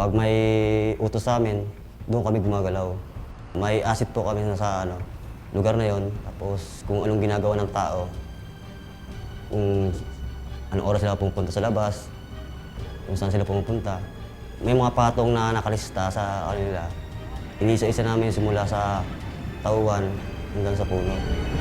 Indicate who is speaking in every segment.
Speaker 1: Pag may utos sa amin, doon kami gumagalaw. May asset po kami sa lugar na yon. Tapos kung anong ginagawa ng tao, kung anong oras sila pupunta sa labas, kung saan sila pumupunta. May mga patong na nakalista sa kanila. Inisa-isa namin simula sa tauhan hanggang sa puno.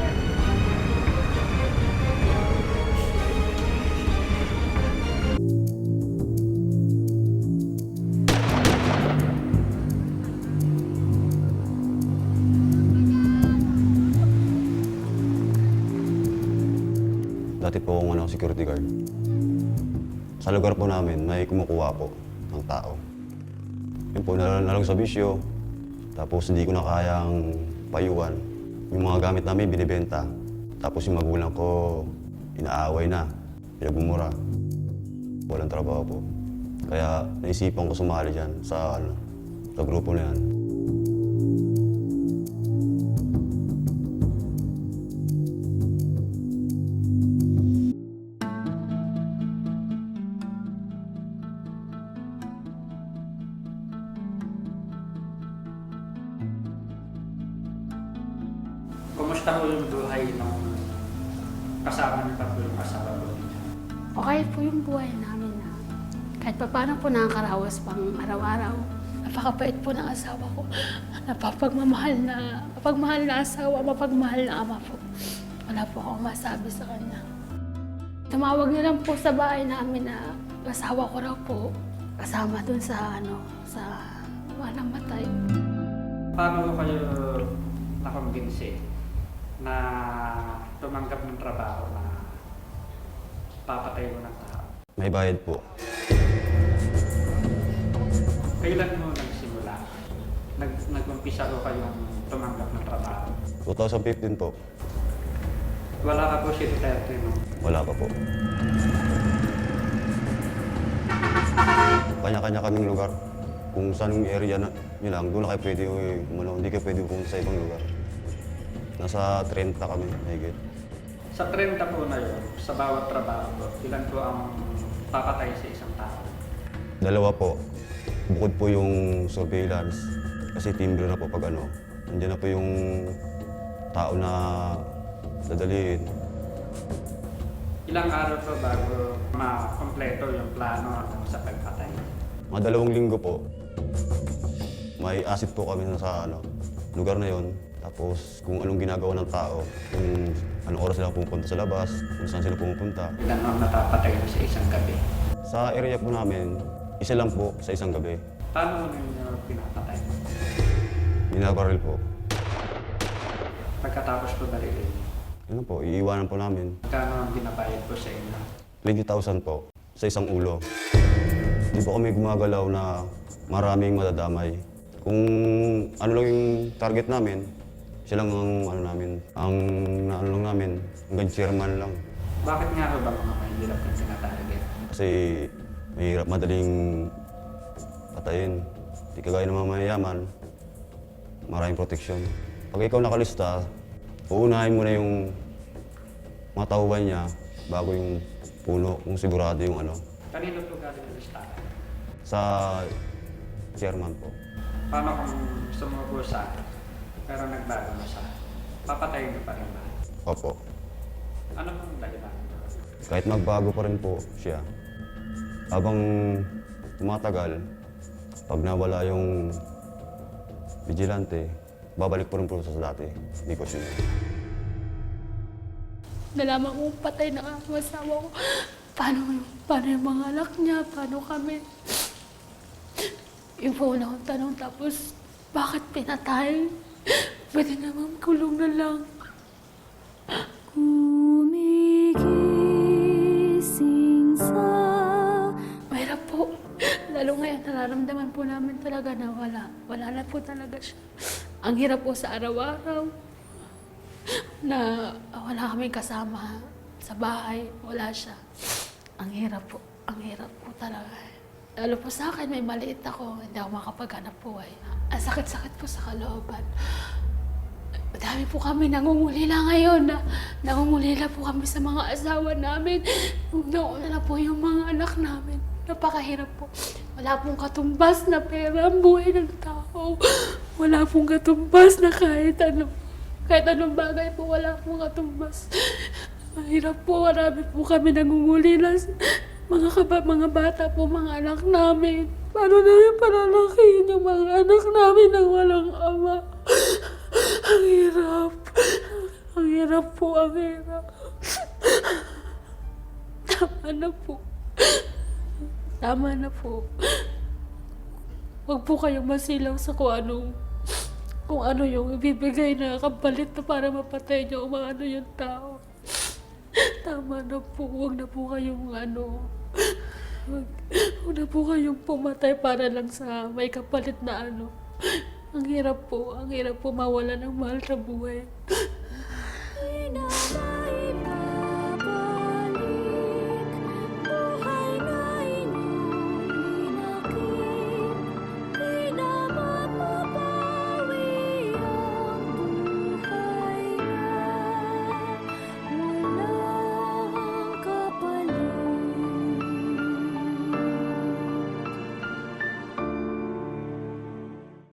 Speaker 1: Dati po akong security guard. Sa lugar po namin, may kumukuha po ng tao. Yun po, nalang sa bisyo. Tapos hindi ko na kayang payuhan. Yung mga gamit namin, binibenta. Tapos yung magulang ko, inaaway na. Pinagmumura. Walang trabaho po. Kaya naisipan ko sumali dyan sa grupo na yan.
Speaker 2: Kumusta po yung buhay ng kasama niyo pa po yung asawa po ninyo?
Speaker 3: Okay po yung buhay namin na kahit pa paano po nakakarawas pang araw-araw. Napakabait po ng asawa ko. Mapagmahal na asawa, mapagmahal na ama po. Wala po akong masabi sa kanya. Tumawag na lang po sa bahay namin na asawa ko raw po kasama dun sa mga namatay.
Speaker 2: Paano kayo nakumbinsi na tumanggap ng trabaho na papatay mo ng tao?
Speaker 1: May bayad po.
Speaker 2: Kailan mo nagsimula? Nag-umpisa ko kayong tumanggap ng trabaho?
Speaker 1: 2015 po.
Speaker 2: Wala ka po si Duterte, no?
Speaker 1: Wala pa po. Kanya-kanya kaming lugar. Kung saan yung area nyo lang, doon na kayo pwede hindi kayo pwede pumunta sa ibang lugar. Nasa 30 kami, mahigit.
Speaker 2: Sa 30 po na yun, sa bawat trabaho po, ilan po ang papatay sa isang tao?
Speaker 1: 2 po. Bukod po yung surveillance, kasi timbre na po pag nandiyan na po yung tao na dadalhin.
Speaker 2: Ilang araw po bago ma-kompleto yung plano sa pagpatay?
Speaker 1: Mga 2 linggo po. May asset po kami sa lugar na yon. Tapos kung anong ginagawa ng tao, kung anong oras sila pupunta sa labas, kung saan sila pumupunta.
Speaker 2: Ilan ang napapatay sa isang gabi?
Speaker 1: Sa area po namin, isa lang po sa isang gabi.
Speaker 2: Paano mo ninyo pinapatay?
Speaker 1: Binabaril po.
Speaker 2: Pagkatapos po barilin,
Speaker 1: Yun po, iiwanan po namin.
Speaker 2: magkano ang binabayad po sa inyo?
Speaker 1: 20,000 po sa isang ulo. Hindi po kami gumagalaw na maraming madadamay. Kung ano lang yung target namin, siya lang ang lang namin, hanggang chairman lang.
Speaker 2: Bakit nga ba mga mahihirap yung tinatarget?
Speaker 1: Kasi mahirap madaling patayin. Di kagaya ng mga mayayaman, maraming proteksyon. Pag ikaw nakalista, uunahin mo na yung mga tauhan niya bago yung puno, kung sigurado yung
Speaker 2: Kanino po galing ang listahan?
Speaker 1: sa chairman po.
Speaker 2: Paano kung sumuko sa pero nagbago na siya? Papatayin niyo pa rin ba?
Speaker 1: Opo.
Speaker 2: Ano pong dahilan?
Speaker 1: Kahit magbago pa rin po siya, habang tumatagal, pag nawala yung vigilante, babalik po rin po sa dati. Hindi po siya.
Speaker 3: Nalaman kong patay na ang asawa ko. Paano yung mga anak niya? Paano kami? Yung una kong tanong, tapos bakit pinatay? Pwede naman kulong na lang. Gumigising sa... Mahirap po. Lalo ngayon, nararamdaman po namin talaga na wala na po talaga siya. Ang hirap po sa araw-araw na wala kaming kasama sa bahay, wala siya. Ang hirap po talaga. Lalo po sa akin, may maliit ako, hindi ako makapaghanap buhay. Ang sakit-sakit po sa kalooban. Madami po kami nangungulila ngayon. Nangungulila po kami sa mga asawa namin. Nauna na po yung mga anak namin. Napakahirap po. Wala pong katumbas na pera ang buhay ng tao. Wala pong katumbas na kahit ano. Kahit anong bagay po, wala pong katumbas. Mahirap po, marami po kami nangungulilas. Mga bata po, mga anak namin. Paano namin palalakihin yung mga anak namin nang walang ama? Ang hirap. Ang hirap po, ang hirap. Tama na po. Tama na po. Huwag po kayong masilaw sa kung ano yung ibibigay na kapalit na para mapatay niyo o ano yung tao. Tama na po. Huwag na po kayong huwag na po kayong pumatay para lang sa may kapalit na ano. Ang hirap po mawala ng mahal sa buhay.